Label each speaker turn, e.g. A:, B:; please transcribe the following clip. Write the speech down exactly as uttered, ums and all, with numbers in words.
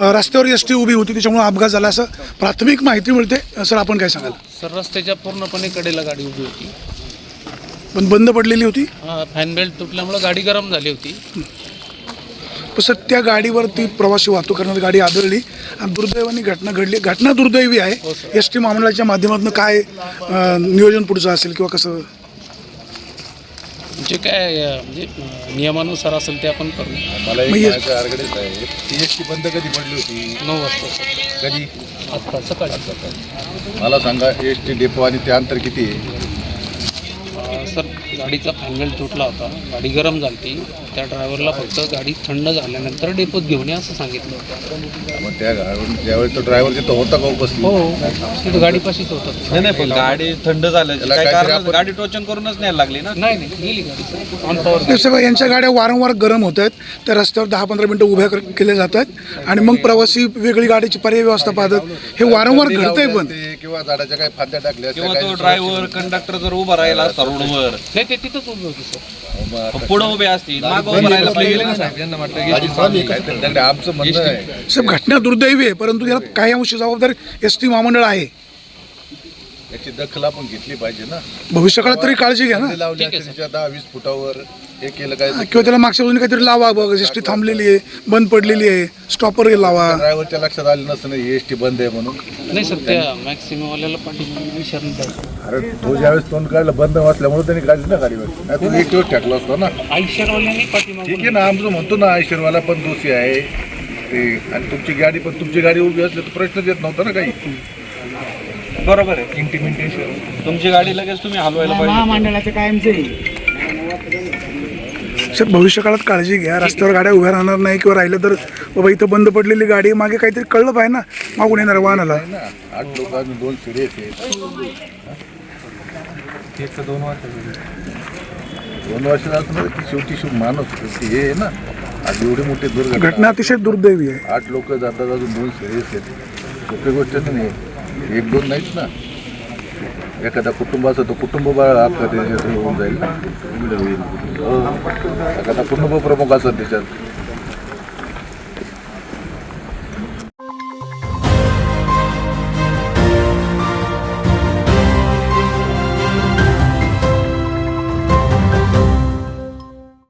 A: रस्त्यावर S T उभी होती त्याच्यामुळे अपघात झाला असं प्राथमिक माहिती मिळते. सर आपण काय सांगाल?
B: सर रस्त्याच्या पूर्णपणे कडेला गाडी उभी होती,
A: पण बंद पडलेली होती.
B: फॅन बेल्ट तुटल्यामुळे गाडी गरम झाली होती.
A: पण सर त्या गाडीवरती प्रवासी वाहतूक करणारी गाडी आदळली आणि दुर्दैवाने घटना घडली. घटना दुर्दैवी आहे. एस टी महामंडळाच्या माध्यमातून काय नियोजन पुढचं असेल किंवा कसं
B: जे काय म्हणजे नियमानुसार असेल ते आपण करू.
C: मला एक म्हणायचं आरगडेच आहे, ती एस टी बंद कधी पडली होती?
B: नऊ वाजता सर.
C: कधी?
B: आत्ता सकाळी.
C: मला सांगा, एस टी डेपो आणि ते अंतर किती आहे?
B: सर गाडीचा फॅन बेल्ट तुटला होता, गाडी गरम झाली होती. त्या ड्रायव्हरला फक्त गाडी थंड झाल्यानंतर डेपोत घेऊन या असं सांगितलं होतं.
C: मग त्या गाडून ज्यावेळेस तो ड्रायव्हर तिथं होता का उपस्थित?
B: हो, तिथं गाडीपाशीच होतं.
D: नाही नाही पण गाडी थंड झाल्याची
C: त्याला
D: काय
C: काहीतरी
D: कारण?
C: आपण-
D: गाडी टोचन करूनच न्यायला लागली ना.
B: नाही नाही गेली गाडी सर ऑन पॉवर.
A: नाही साहेब, यांच्या गाड्या वारंवार गरम होत आहेत. त्या रस्त्यावर दहा पंधरा मिनटं उभ्या कर- केल्या जातात आणि मग प्रवासी वेगळी गाडीची पर्याय व्यवस्था पाहतात. हे वारंवार
C: कधी
A: घडतंय.
C: लावले
A: पण
C: असते किंवा झाडाच्या काही फांद्या टाकल्या असत्या,
D: किंवा
C: काही
D: तो ड्रायव्हर कंडक्टर जर उभा राहिला असता रोडवर,
B: नाही ते तिथंच उभी होती सर.
D: पुढे उभे असतील, मागं उभं राहायला पाहिजे ना साहेब. यांना म्हटलं
C: गाडी चालू आहे, काहीतरी त्याकडे आमचं म्हणणं आहे.
A: साहेब घटना दुर्दैवी आहे, परंतु याला काही अंशी जबाबदार एस टी महामंडळ आहे.
C: याची दखल आपण घेतली पाहिजे ना.
A: भविष्यकाळात तरी काळजी घ्या ना.
C: फांदे लावले असते तिच्या दहा वीस फुटावर, हे केलं काय?
A: किंवा त्याला मागच्या बाजूने काहीतरी लावा. बघ एस टी थांबलेली आहे, बंद पडलेली आहे, स्टॉपर लावा.
C: ड्रायव्हरच्या लक्षात आलं नसतं ना एस टी बंद आहे म्हणून.
B: नाही सर त्या मॅक्सिमवाल्याला पाठीमागे विचारून द्यायचं.
C: अरे तो ज्यावेळेस तोंड काढलं बंद वाचल्यामुळे त्यांनी काढली ना गाडीवर. नाही तुम्ही एक दिवस टाकला असतो ना.
B: आयुष्यवाल्याने पाठीमागे.
C: ठीक आहे ना, आमचं म्हणतो ना आयशरवाला पण दोषी आहे ते, आणि तुमची गाडी पण तुमची गाडी उभी असली तर प्रश्नच येत नव्हता ना काही.
D: बरोबर आहे. इंटिमिटेशन तुमची गाडी लगेच तुम्ही हलवायला पाहिजे.
B: महामंडळाचे कायमचे.
A: सर भविष्यकाळात काळजी घ्या. रस्त्यावर गाड्या उभ्या राहणार नाही किंवा राहिलं तर बाबा इथं बंद पडलेली गाडी आहे, मागे काहीतरी कळलं पाहिजे ना मागून येणार वाहनाला.
C: ना आठ लोक आम्ही दोन शिडे आहेत.
D: दोन वर्ष
C: दोन वर्षाला असं की शेवटी शेवटी माणूस की हे आहे ना. आज एवढी मोठी
A: घटना
C: दुर्घटना,
A: अतिशय दुर्दैवी आहे.
C: आठ लोक जातात, अजून दोन शिडे आहेत. सोपी गोष्ट नाही, एक दोन नाहीत ना. एखादा कुटुंब असं तो कुटुंब अपघात होऊन जाईल ना. हो. एखादा कुटुंब प्रमुख असत त्याच्यात